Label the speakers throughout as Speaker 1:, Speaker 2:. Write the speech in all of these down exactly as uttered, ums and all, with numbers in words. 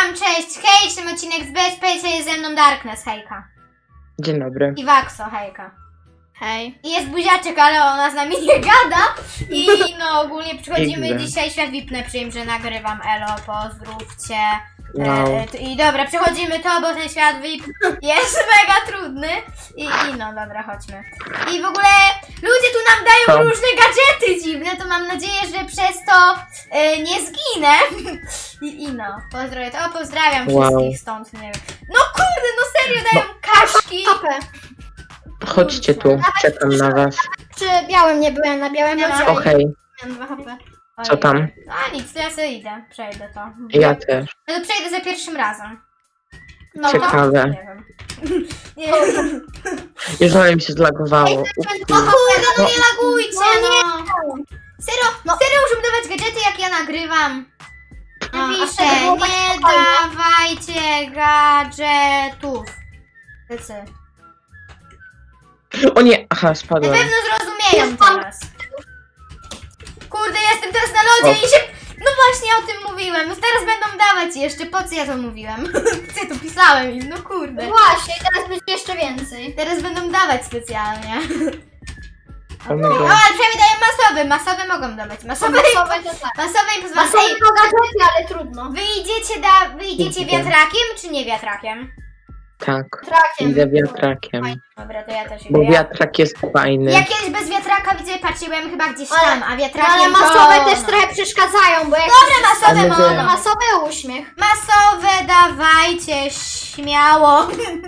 Speaker 1: nagrywam, cześć, hej, w tym odcinek z B S P, jest ze mną Darkness, hejka.
Speaker 2: Dzień dobry.
Speaker 1: I Waxo, hejka.
Speaker 3: Hej.
Speaker 1: I jest buziaczek, ale ona z nami nie gada. I no ogólnie przychodzimy
Speaker 2: Nigdy.
Speaker 1: dzisiaj, świat V I P, przyjm, że nagrywam, elo, pozdrówcie.
Speaker 2: Wow.
Speaker 1: E, t- I dobra, przechodzimy to, bo ten świat V I P jest mega trudny. I, I no, dobra, chodźmy. I w ogóle ludzie tu nam dają
Speaker 2: Co?
Speaker 1: różne gadżety dziwne, to mam nadzieję, że przez to e, nie zginę. I, I no, pozdrowię to. O, pozdrawiam
Speaker 2: Wow.
Speaker 1: wszystkich stąd, nie wiem. No kurde, no serio, dają kaszki.
Speaker 3: Hopę.
Speaker 2: Chodźcie tu, czekam na was.
Speaker 3: Czy białym nie byłem na białym
Speaker 1: Nie ma.
Speaker 3: lodzie?
Speaker 2: O hej,
Speaker 3: Miałem dwa hopy.
Speaker 2: co tam?
Speaker 1: A nic, to ja sobie idę, przejdę to.
Speaker 2: Ja też.
Speaker 1: No to przejdę za pierwszym razem.
Speaker 3: No,
Speaker 2: Ciekawe.
Speaker 1: Nie wiem. Nie wiem.
Speaker 2: Już ale mi się zlagowało.
Speaker 1: O kurde, no nie lagujcie, no. Serio,
Speaker 3: No.
Speaker 1: serio muszę dawać gadżety, jak ja nagrywam.
Speaker 3: A, a
Speaker 1: Napiszę,
Speaker 3: wtedy było tak
Speaker 1: nie
Speaker 3: spokojnie.
Speaker 1: dawajcie gadżetów. Tycy.
Speaker 2: O nie, aha,
Speaker 1: Na
Speaker 2: spadłem.
Speaker 1: pewno zrozumieją
Speaker 3: Jest pan-
Speaker 1: teraz. Kurde, jestem teraz na lodzie
Speaker 2: O.
Speaker 1: i się... No właśnie o tym mówiłem, no teraz będą dawać jeszcze, po co ja to mówiłem? Co ja tu pisałem im, no kurde.
Speaker 3: Właśnie, teraz będzie jeszcze więcej.
Speaker 1: Teraz będą dawać specjalnie.
Speaker 2: O my
Speaker 1: O,
Speaker 2: God.
Speaker 1: ale przynajmniej dają masowe, masowe mogą dawać. Masowe,
Speaker 3: Masowe to tak.
Speaker 1: masowe i pozwalają.
Speaker 3: Masowe
Speaker 1: Ej,
Speaker 3: to gadżety, ale trudno.
Speaker 1: wy idziecie, da, wy idziecie
Speaker 2: Idę.
Speaker 1: wiatrakiem czy nie wiatrakiem?
Speaker 2: Tak,
Speaker 3: Trakiem.
Speaker 2: idę wiatrakiem.
Speaker 1: Dobra, to ja też idę.
Speaker 2: Bo
Speaker 1: Ja,
Speaker 2: wiatrak jest fajny.
Speaker 1: ja kiedyś bez wiatraka widzę, patrzcie, byłem chyba gdzieś
Speaker 3: Ale-
Speaker 1: tam, a wiatrakiem
Speaker 3: Ale
Speaker 1: to...
Speaker 3: masowe też
Speaker 1: no.
Speaker 3: trochę przeszkadzają, bo jak
Speaker 1: Dobra, masowe
Speaker 2: Ale
Speaker 1: mogą.
Speaker 2: wiem.
Speaker 3: masowy uśmiech.
Speaker 1: Masowe dawajcie, śmiało.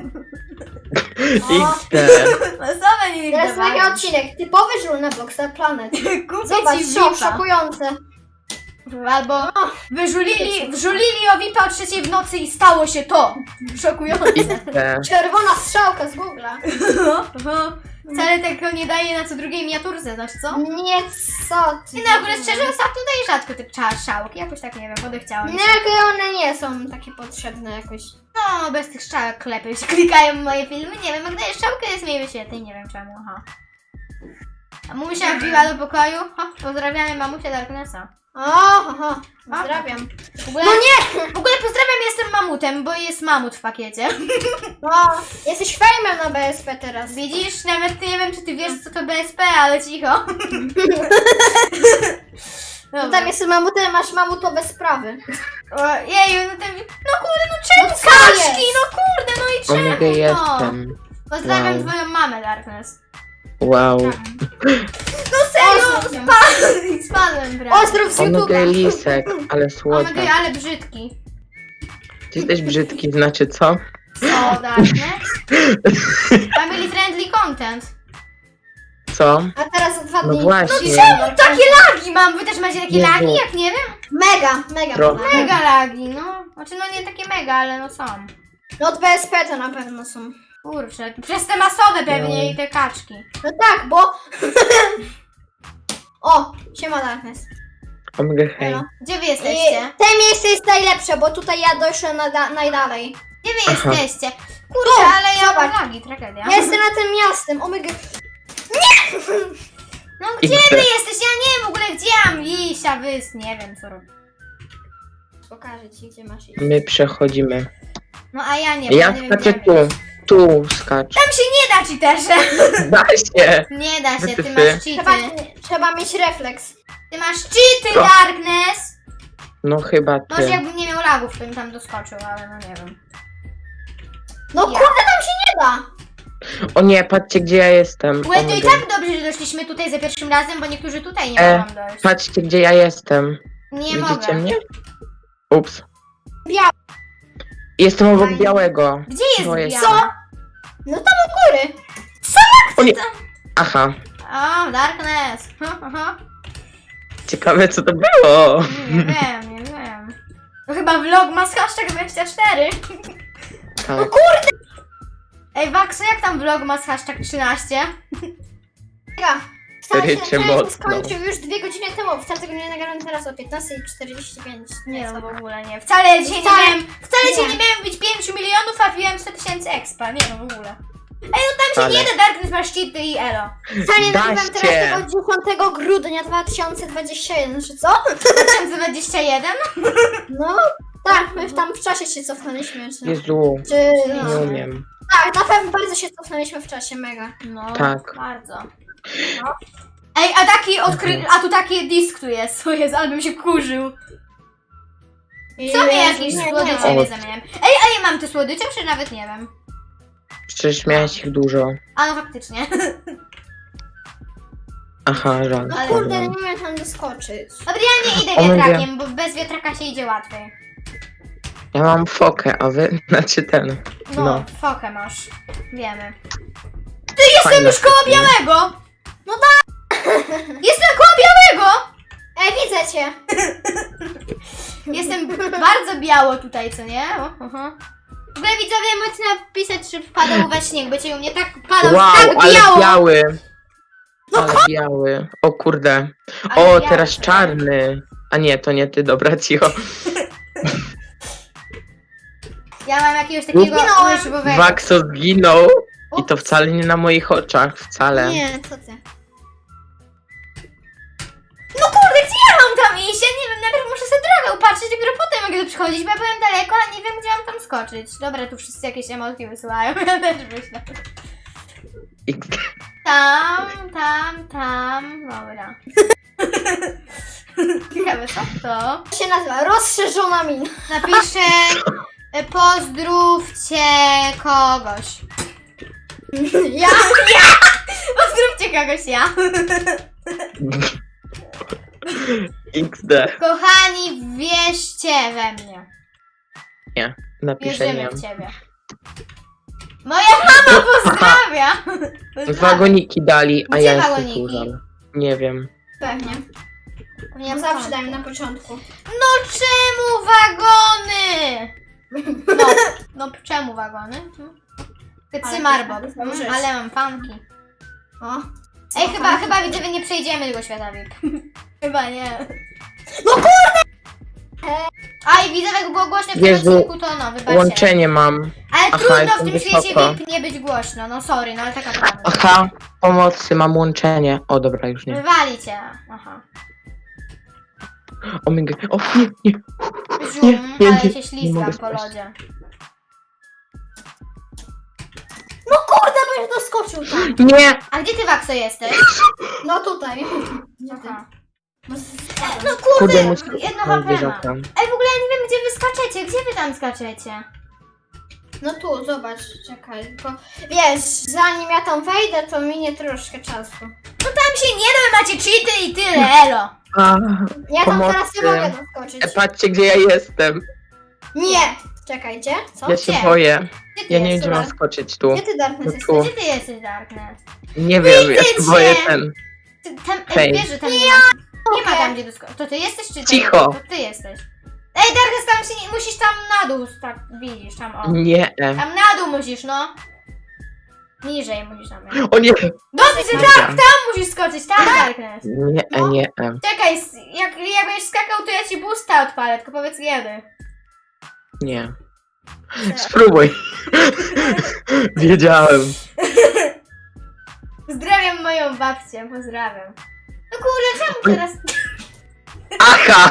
Speaker 2: X D.
Speaker 1: Masowe nie
Speaker 3: Teraz
Speaker 1: dawają.
Speaker 3: mega odcinek. Typowy żul na Blockstar Planet.
Speaker 1: Kupię
Speaker 3: Zobacz,
Speaker 1: ci
Speaker 3: szok,
Speaker 1: V I P-a.
Speaker 3: szokujące.
Speaker 1: Albo wyżulili, wżulili o V I P-a o trzeciej w nocy i stało się to. Szokujące.
Speaker 2: X D.
Speaker 3: Czerwona strzałka z Google'a.
Speaker 1: No, no. Wcale tego nie daje na co drugiej miniaturze, znasz co?
Speaker 3: Nie, co ty.
Speaker 1: Nie no, w ogóle szczerze ostatnio daje rzadko te cza- szałki, jakoś tak nie wiem, podechciałam
Speaker 3: Nie,
Speaker 1: się.
Speaker 3: jakie one nie są takie potrzebne jakoś.
Speaker 1: No, bez tych strzałek klepy się klikają moje filmy, nie wiem, jak daje szczałkę jest mniej świetnej, nie wiem czemu, aha. A mamusia wbiła do pokoju, ha, pozdrawiamy mamusię Darknessa.
Speaker 3: O, aha, pozdrawiam.
Speaker 1: W ogóle,
Speaker 3: No nie!
Speaker 1: w ogóle pozdrawiam, jestem mamutem, bo jest mamut w pakiecie.
Speaker 3: No, jesteś fejmem na B S P teraz.
Speaker 1: Widzisz, nawet nie wiem, czy ty wiesz, co to B S P, ale cicho.
Speaker 3: No
Speaker 1: Dobra.
Speaker 3: tam jest mamutem, masz mamutowe sprawy.
Speaker 1: O, jeju, no ten... No kurde, no czemu
Speaker 3: No co
Speaker 1: kaszki?
Speaker 3: jest?
Speaker 1: No kurde, no i czemu
Speaker 2: Omega
Speaker 1: to?
Speaker 2: jestem.
Speaker 1: Pozdrawiam
Speaker 2: Wow.
Speaker 1: twoją mamę, Darkness.
Speaker 2: Wow.
Speaker 1: No serio,
Speaker 3: Pozdrów ją.
Speaker 1: spadłem, spadłem prawie.
Speaker 3: Pozdrów z
Speaker 2: Omega
Speaker 3: YouTube'a.
Speaker 2: lisek, ale
Speaker 1: Omega,
Speaker 2: słodka.
Speaker 1: ale brzydki.
Speaker 2: Ty jesteś brzydki, znaczy co?
Speaker 1: Co, Darkness? Family friendly content.
Speaker 2: Co?
Speaker 3: A teraz za dwa
Speaker 2: No
Speaker 3: dni.
Speaker 2: właśnie.
Speaker 3: czemu
Speaker 1: Takie lagi mam, wy też macie takie
Speaker 2: Jezu.
Speaker 1: lagi, jak nie wiem?
Speaker 3: Mega, mega.
Speaker 2: Pro-
Speaker 3: mega.
Speaker 1: Mega lagi, no. Znaczy no nie takie mega, ale no są.
Speaker 3: No od B S P to na pewno są.
Speaker 1: Kurczę, przez te masowe pewnie
Speaker 2: No.
Speaker 1: i te kaczki.
Speaker 3: No tak, bo... O, siema Darkness.
Speaker 2: Omega hej.
Speaker 3: No.
Speaker 1: Gdzie wy
Speaker 3: I
Speaker 1: jesteście?
Speaker 3: te miejsce jest najlepsze, bo tutaj ja doszłem na, najdalej.
Speaker 1: Gdzie wy
Speaker 2: Aha.
Speaker 1: jesteście? Kurczę,
Speaker 3: Tu,
Speaker 1: ale ja mam
Speaker 3: zobacz.
Speaker 1: lagi, tragedia.
Speaker 3: Ja jestem na tym miastem, omega.
Speaker 1: No gdzie
Speaker 2: X
Speaker 1: wy
Speaker 2: D.
Speaker 1: jesteście? Ja nie wiem w ogóle gdzie mam iść, a wy nie wiem co robić.
Speaker 3: Pokażę ci, gdzie masz iść.
Speaker 2: My przechodzimy.
Speaker 1: No a ja nie wiem,
Speaker 2: Ja
Speaker 1: nie wiem
Speaker 2: skaczę
Speaker 1: gdzie
Speaker 2: tu.
Speaker 1: mam iść.
Speaker 2: Tu skacz.
Speaker 1: Tam się nie da ci też.
Speaker 2: Da się.
Speaker 1: Nie da się, ty
Speaker 2: Ty.
Speaker 1: masz
Speaker 3: Trzeba,
Speaker 1: cheaty.
Speaker 3: trzeba mieć refleks.
Speaker 1: Ty masz cheaty,
Speaker 2: Co?
Speaker 1: Darkness!
Speaker 2: No chyba
Speaker 1: Może
Speaker 2: ty.
Speaker 1: jakbym nie miał lagów, to bym tam doskoczył, ale no nie wiem.
Speaker 3: No
Speaker 1: Ja.
Speaker 3: kurde, tam się nie da.
Speaker 2: O nie, patrzcie gdzie ja jestem.
Speaker 1: Łe, to i
Speaker 2: Omega.
Speaker 1: tak dobrze, że doszliśmy tutaj za pierwszym razem, bo niektórzy tutaj nie
Speaker 2: E,
Speaker 1: mogą dojść.
Speaker 2: Patrzcie gdzie ja jestem.
Speaker 1: Nie
Speaker 2: Widzicie
Speaker 1: mogę.
Speaker 2: mnie? Ups.
Speaker 3: Biały.
Speaker 2: Jestem obok
Speaker 1: Fajnie.
Speaker 2: białego.
Speaker 1: Gdzie jest
Speaker 2: To jest-
Speaker 1: biały?
Speaker 3: Co? No tam u góry.
Speaker 2: O nie. Aha.
Speaker 1: O, Darkness. Ha, ha, ha.
Speaker 2: Ciekawe co to było.
Speaker 1: Nie wiem, nie wiem. To chyba vlog ma z hashtag dwadzieścia cztery.
Speaker 2: Tak.
Speaker 1: Ej, Waxo, jak tam vlog ma z hashtag trzynaście?
Speaker 3: Mega. Wcale się
Speaker 2: Rycie
Speaker 3: ten
Speaker 2: mocno.
Speaker 3: skończył już dwie godziny temu. Wcale tego nie nagrałem teraz o piętnastej czterdzieści pięć.
Speaker 1: Nie no, w ogóle nie. Wcale dzisiaj nie
Speaker 3: Wcale-
Speaker 1: miałem, wcale dzisiaj
Speaker 3: nie.
Speaker 1: nie miałem być pięć milionów, a wbiłem sto tysięcy expa. Nie no, w ogóle. Ej, no tam
Speaker 2: Wcale.
Speaker 1: się nie da, Darkness masz cheaty i elo.
Speaker 3: Wcale nie
Speaker 2: Da
Speaker 3: nagrywam
Speaker 2: się.
Speaker 3: teraz tego dziesiątego grudnia dwa tysiące dwudziestego pierwszego, czy co?
Speaker 1: dwa tysiące dwudziesty pierwszy?
Speaker 3: No, Tak, my tam w czasie się cofnęliśmy. Czy,
Speaker 2: Jezu,
Speaker 3: czy,
Speaker 2: nie
Speaker 3: no.
Speaker 2: umiem.
Speaker 3: Tak, na pewno bardzo się cofnęliśmy w czasie, mega.
Speaker 1: No,
Speaker 2: Tak.
Speaker 1: bardzo. No. Ej, a taki odkry... A tu taki disk tu jest, co jest, ale bym się kurzył. Co mnie jakieś
Speaker 3: nie,
Speaker 1: słodycze
Speaker 2: nie.
Speaker 1: nie zamieniam. Ej, a ja mam te słodycze, czy nawet nie wiem?
Speaker 2: Przecież miałeś ich dużo.
Speaker 1: A no faktycznie.
Speaker 2: Aha, żal.
Speaker 3: No
Speaker 1: Ale-
Speaker 3: kurde, nie umiem tam doskoczyć.
Speaker 1: Dobra, ja nie idę
Speaker 2: O, mówię.
Speaker 1: wiatrakiem, bo bez wiatraka się idzie łatwiej.
Speaker 2: Ja mam fokę, a wy znacie ten.
Speaker 1: No,
Speaker 2: No.
Speaker 1: fokę masz. Wiemy. Ty, jestem
Speaker 2: Fajne
Speaker 1: już koło
Speaker 2: foki.
Speaker 1: białego! No tak! Jestem koło białego!
Speaker 3: Ej, widzę cię!
Speaker 1: Jestem bardzo biało tutaj, co nie? O, aha. W ogóle widzowie możecie napisać, czy wpadał we śnieg, będzie u mnie tak padał,
Speaker 2: Wow,
Speaker 1: tak
Speaker 2: ale
Speaker 1: biało!
Speaker 2: biały. Ale biały. O kurde.
Speaker 1: Ale
Speaker 2: O,
Speaker 1: biały,
Speaker 2: teraz
Speaker 1: co?
Speaker 2: czarny. A nie, to nie ty, dobra, cicho.
Speaker 1: Ja mam jakiegoś takiego
Speaker 3: Zginąłem.
Speaker 1: łyżwowego.
Speaker 2: Waxo zginął. I
Speaker 1: Ups.
Speaker 2: to wcale nie na moich oczach, wcale.
Speaker 3: Nie, co ty?
Speaker 1: No kurde, gdzie ja mam tam iść? Ja nie wiem, najpierw muszę sobie drogę upatrzeć, dopiero potem mogę tu przychodzić, bo ja byłem daleko, a nie wiem, gdzie mam tam skoczyć. Dobra, tu wszyscy jakieś emotki wysyłają, ja też myślę.
Speaker 2: I...
Speaker 1: Tam, tam, tam, dobra. Ciekawe, co to?
Speaker 3: To się nazywa rozszerzona mina.
Speaker 1: Napiszę, e, pozdrówcie kogoś.
Speaker 3: Ja?
Speaker 1: Pozdrówcie kogoś, ja.
Speaker 2: iks de.
Speaker 1: Kochani, wierzcie we mnie.
Speaker 2: Nie, napiszę nie.
Speaker 1: Wierzymy w ciebie. Moja mama pozdrawia!
Speaker 2: Wagoniki dali, a
Speaker 1: Gdzie
Speaker 2: ja jestem
Speaker 1: wagoniki?
Speaker 2: kurzem. Nie wiem.
Speaker 3: Pewnie.
Speaker 1: Ja
Speaker 3: No zawsze dają na początku.
Speaker 1: No czemu wagony? No, no czemu wagony?
Speaker 3: Ale
Speaker 1: Cymarbob,
Speaker 3: to jest na pewno
Speaker 1: mm, ale mam fanki.
Speaker 3: O.
Speaker 1: Ej, chyba, chyba widzowie nie przejdziemy tego świata V I P. Chyba nie.
Speaker 3: No kurde!
Speaker 1: A i widzowie, jak było głośno w tym
Speaker 2: Jezu,
Speaker 1: odcinku, to no, wybaczcie.
Speaker 2: Łączenie mam.
Speaker 1: Ale
Speaker 2: Aha,
Speaker 1: trudno w
Speaker 2: jestem
Speaker 1: tym świecie
Speaker 2: wysoko.
Speaker 1: V I P nie być głośno, no sorry, no ale taka prawda.
Speaker 2: Aha, pomocy, mam łączenie. O, dobra, już nie.
Speaker 1: Wywali cię, aha.
Speaker 2: O my god. O, nie, nie.
Speaker 1: Żum,
Speaker 2: nie,
Speaker 1: ale
Speaker 2: nie,
Speaker 1: się
Speaker 2: nie
Speaker 1: ślizgam
Speaker 2: mogę
Speaker 1: po
Speaker 2: spaść.
Speaker 1: lodzie.
Speaker 3: No kurde, byś doskoczył tam.
Speaker 2: Nie!
Speaker 1: A gdzie ty, Waxo, jesteś?
Speaker 3: No tutaj. Gdzie ty?
Speaker 1: Aha.
Speaker 3: No,
Speaker 1: No
Speaker 2: Kurde,
Speaker 1: kurde,
Speaker 2: muszę
Speaker 1: jedno
Speaker 2: mam
Speaker 1: H P ma.
Speaker 2: zwierzaka.
Speaker 1: Ej, w ogóle ja nie wiem, gdzie wy skaczecie, gdzie wy tam skaczecie?
Speaker 3: no tu, zobacz, czekaj, tylko wiesz, zanim ja tam wejdę, to minie troszkę czasu.
Speaker 1: No tam się nie da, macie cheaty i tyle, elo.
Speaker 2: A,
Speaker 3: Ja tam
Speaker 2: Pomocy.
Speaker 3: teraz nie mogę doskoczyć.
Speaker 2: e, patrzcie, gdzie ja jestem.
Speaker 3: Nie! Czekajcie, co?
Speaker 2: Ja się
Speaker 1: Gdzie?
Speaker 2: boję.
Speaker 1: Gdzie ty
Speaker 2: Ja nie wiem,
Speaker 1: jesteś?
Speaker 2: gdzie mam skoczyć tu.
Speaker 3: Gdzie ty, Darkness,
Speaker 2: No
Speaker 3: jesteś?
Speaker 2: tu.
Speaker 1: Gdzie ty jesteś, Darknet?
Speaker 2: Nie wiem, ja się
Speaker 1: Widzę
Speaker 2: boję
Speaker 1: cię.
Speaker 2: ten.
Speaker 1: Ty, tam,
Speaker 2: Hej.
Speaker 1: ej, wiesz, że tam nie ma, nie ma
Speaker 3: Okej.
Speaker 1: tam, gdzie doskoczyć. To ty jesteś, czy ty?
Speaker 2: Cicho.
Speaker 1: To ty jesteś. Ej, Darknet, tam się nie, musisz tam na dół, tak, widzisz, tam, o.
Speaker 2: Nie.
Speaker 1: Tam na dół musisz, no. Niżej musisz tam.
Speaker 2: O nie.
Speaker 1: Dobrze,
Speaker 2: Dobra.
Speaker 1: tak, tam musisz skoczyć, tak, Darknet.
Speaker 2: Nie,
Speaker 3: No.
Speaker 2: nie.
Speaker 1: Czekaj, s- jak, jak będziesz skakał, to ja ci boosta odpalę, tylko powiedz kiedy.
Speaker 2: Nie. Spróbuj. Wiedziałem.
Speaker 1: Pozdrawiam moją babcię, pozdrawiam. No kurde, czemu teraz...
Speaker 2: Aha!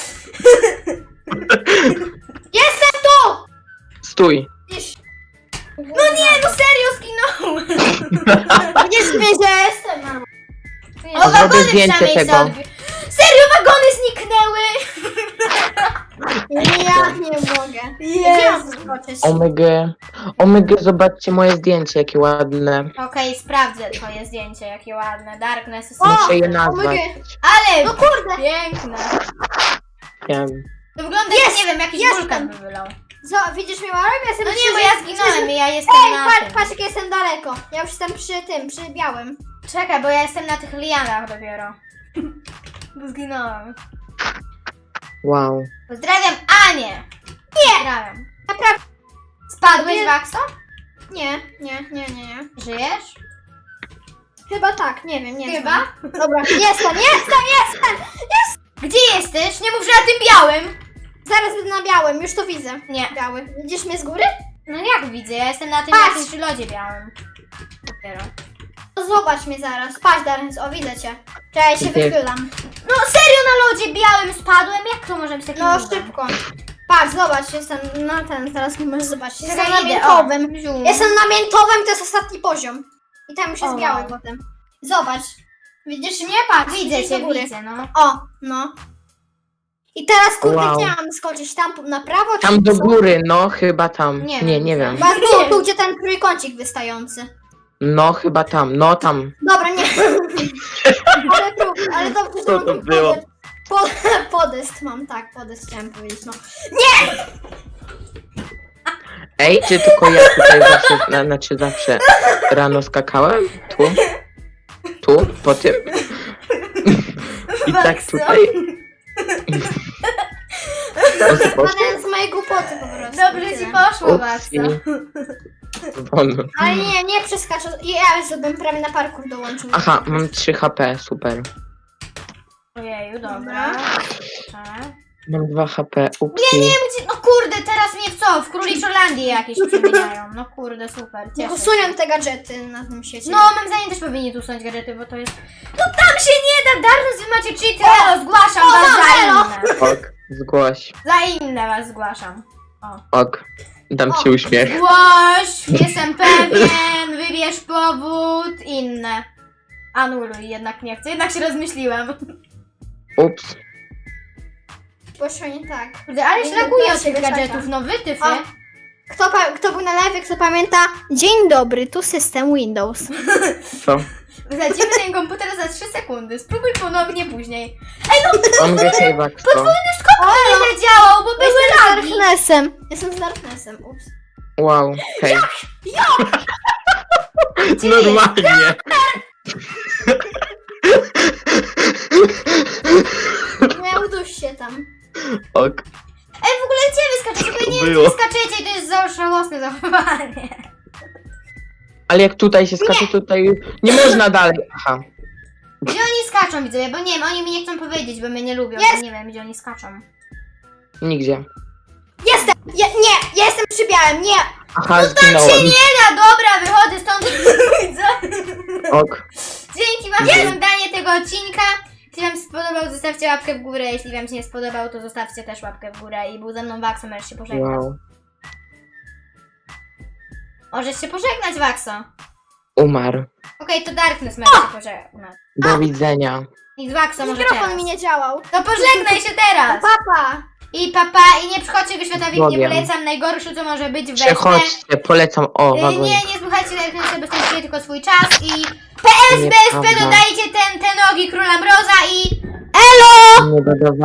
Speaker 3: Jestem tu!
Speaker 2: Stój.
Speaker 3: Widzisz?
Speaker 1: No nie, no serio zginąłem!
Speaker 3: Widzisz mnie, że jestem normalnie.
Speaker 1: O,
Speaker 2: Zrobię
Speaker 1: wagony
Speaker 2: zdjęcie
Speaker 1: przynajmniej
Speaker 2: tego.
Speaker 1: sobie odbi- Serio, wagony zniknęły!
Speaker 3: Ja nie mogę. Gdzie mam doskoczyć?
Speaker 2: Omega. Omega, zobaczcie moje zdjęcie, jakie ładne.
Speaker 1: Okej, sprawdzę twoje zdjęcie, jakie ładne. Darkness jest...
Speaker 3: O!
Speaker 2: Muszę je nazwać.
Speaker 3: Omega.
Speaker 1: Ale
Speaker 3: No kurde!
Speaker 1: piękne!
Speaker 2: Ja...
Speaker 1: To wygląda
Speaker 3: Jest!
Speaker 1: jak, nie wiem, jakiś
Speaker 3: Jestem!
Speaker 1: wulkan by wylał.
Speaker 3: Co, widzisz mnie, Marek? Ja jestem
Speaker 1: No
Speaker 3: przy-
Speaker 1: nie, bo ja
Speaker 3: przy-
Speaker 1: zginąłem i ja jestem
Speaker 3: Ej,
Speaker 1: na
Speaker 3: patrz,
Speaker 1: tym.
Speaker 3: patrz jak jestem daleko. Ja już jestem przy tym, przy białym.
Speaker 1: Czekaj, bo ja jestem na tych lianach dopiero. Bo zginąłem.
Speaker 2: Wow.
Speaker 1: Pozdrawiam Anię! Nie! Pozdrawiam.
Speaker 3: Naprawdę.
Speaker 1: Spadłeś,
Speaker 3: Nie.
Speaker 1: Waxo?
Speaker 3: Nie, nie, nie, nie, nie.
Speaker 1: Żyjesz?
Speaker 3: Chyba tak, nie wiem, nie
Speaker 1: Chyba?
Speaker 3: znam. Dobra, jestem, jestem, jestem!
Speaker 1: Gdzie jesteś? Nie mów, że na tym białym!
Speaker 3: Zaraz będę na białym, już to widzę.
Speaker 1: Nie.
Speaker 3: Biały. Widzisz mnie z góry?
Speaker 1: No jak widzę? Ja jestem na tym
Speaker 3: Patrz.
Speaker 1: jakimś lodzie białym. Dopiero.
Speaker 3: To zobacz mnie zaraz. Patrz, Darens, o widzę cię. Czekaj, ja się
Speaker 2: Gdzie?
Speaker 3: wychylam.
Speaker 1: No serio na lodzie białym spadłem? Jak to może być takim
Speaker 3: No
Speaker 1: cudem?
Speaker 3: szybko. Patrz, zobacz, jestem na ten, teraz nie możesz zobaczyć. Jestem
Speaker 1: Czekaj,
Speaker 3: na
Speaker 1: idę,
Speaker 3: miętowym.
Speaker 1: o, zium.
Speaker 3: Jestem na miętowym, to jest ostatni poziom. I tam już jest
Speaker 1: O,
Speaker 3: biały
Speaker 1: wow.
Speaker 3: potem. Zobacz. Widzisz mnie? Patrz.
Speaker 1: Widzę
Speaker 3: idź do
Speaker 1: cię,
Speaker 3: góry.
Speaker 1: widzę, no.
Speaker 3: O, no. I teraz kurde,
Speaker 2: Wow.
Speaker 3: gdzie mam skoczyć? Tam na prawo czy
Speaker 2: Tam do
Speaker 3: co?
Speaker 2: góry, no chyba tam.
Speaker 1: Nie
Speaker 2: Nie, nie,
Speaker 1: wiem,
Speaker 2: wiem.
Speaker 3: Chyba tu, tu, gdzie ten trójkącik wystający.
Speaker 2: No chyba tam, no tam.
Speaker 3: Dobra, nie. ale, tu, ale dobrze, że
Speaker 2: Co
Speaker 3: mam
Speaker 2: to
Speaker 3: tu
Speaker 2: było?
Speaker 3: podest. Pod, podest mam, tak, podest chciałam powiedzieć, no.
Speaker 2: Ej, czy tylko ja tutaj zawsze, na, znaczy zawsze rano skakałem? Tu? Tu? Po tym? I tak
Speaker 1: Maxo.
Speaker 2: tutaj? O, co poszło?
Speaker 3: Spadałem z mojej głupoty po prostu.
Speaker 1: Dobrze ci
Speaker 3: tyle.
Speaker 1: poszło,
Speaker 2: Upsi.
Speaker 1: Maxo.
Speaker 2: Won.
Speaker 3: Ale nie, nie przeskaczę. Ja już bym prawie na parkour dołączył.
Speaker 2: Aha, mam trzy H P, super.
Speaker 1: Ojeju, dobra.
Speaker 3: Dobra.
Speaker 1: Dobrze.
Speaker 2: Mam dwa H P, upsi.
Speaker 1: Nie, nie, gdzie... no kurde, teraz mnie w co? W Króliczolandii jakieś przemieniają. No kurde, super,
Speaker 3: Nie
Speaker 1: cieszę się.
Speaker 3: usunią te gadżety na tym świecie.
Speaker 1: No, mam zdaniem też powinni tu usunąć gadżety, bo to jest... No tam się nie da, Darnus, wy macie cheaty, elo, zgłaszam
Speaker 3: o,
Speaker 1: was
Speaker 3: mam,
Speaker 1: za
Speaker 3: elo.
Speaker 1: inne.
Speaker 2: Ok, zgłoś.
Speaker 1: Za inne was zgłaszam.
Speaker 2: Ok, dam
Speaker 3: O.
Speaker 2: ci uśmiech.
Speaker 1: Głoś, jestem pewien, wybierz powód, inne. Anuluj, jednak nie chcę, jednak się rozmyśliłam.
Speaker 2: Ups.
Speaker 3: Poszło nie tak.
Speaker 1: Kurde, ale
Speaker 3: Nie
Speaker 1: szlakuję
Speaker 3: da
Speaker 1: od
Speaker 3: się
Speaker 1: tych
Speaker 3: wyszukać.
Speaker 1: gadżetów, no wytyfy.
Speaker 3: O. Kto, pa- kto był na live, kto pamięta? Dzień dobry, tu system Windows.
Speaker 2: Co?
Speaker 1: Wsadzimy ten komputer za trzy sekundy, spróbuj ponownie później.
Speaker 2: On wie save'a, kto?
Speaker 1: Ale zadziałał, bo były
Speaker 3: Jestem z
Speaker 1: lagi.
Speaker 3: Darknessem. Jestem z Darknessem, ups.
Speaker 2: Wow, hej.
Speaker 1: Gdzie
Speaker 2: Normalnie.
Speaker 3: Miał duś się tam.
Speaker 2: Ok.
Speaker 1: Ej, w ogóle gdzie wy skaczecie? Bo ja nie wiem,
Speaker 2: Było.
Speaker 1: gdzie skaczecie i to jest za żałosne zachowanie.
Speaker 2: Ale jak tutaj się skacze, tutaj nie można dalej. Aha.
Speaker 1: Gdzie oni skaczą, widzowie? Bo nie wiem, oni mi nie chcą powiedzieć, bo mnie nie lubią,
Speaker 3: Jest.
Speaker 1: to nie wiem, gdzie oni skaczą.
Speaker 2: Nigdzie.
Speaker 3: Jestem! Je, nie, ja jestem przy białym, nie!
Speaker 2: Aha,
Speaker 1: Się
Speaker 2: zginąłem.
Speaker 1: nie da, dobra, wychodzę stąd.
Speaker 2: Ok.
Speaker 1: Dzięki wam za oglądanie tego odcinka. Jeśli wam się spodobał, zostawcie łapkę w górę. Jeśli wam się nie spodobał, to zostawcie też łapkę w górę. I był ze mną Waxo, możesz się pożegnać.
Speaker 2: Wow.
Speaker 1: Możesz się pożegnać, Waxo.
Speaker 2: Umarł.
Speaker 1: Okej, to Darkness może się pożegnać.
Speaker 2: Do widzenia.
Speaker 1: I z Waxo może
Speaker 3: Mikrofon
Speaker 1: teraz.
Speaker 3: mi nie działał.
Speaker 1: To pożegnaj się teraz.
Speaker 3: Papa!
Speaker 1: I papa, i nie przychodźcie do świata V I P, nie
Speaker 2: Bogiem.
Speaker 1: polecam. Najgorsze, co może być w weźmie.
Speaker 2: Przechodźcie, polecam. O,
Speaker 1: Y,
Speaker 2: wagon.
Speaker 1: Nie, nie słuchajcie Darknessa, bo stracicie tylko swój czas. I P S B S P
Speaker 2: Nieprawda.
Speaker 1: dodajcie ten, te nogi Króla Mroza i...
Speaker 2: Nie dodawałem.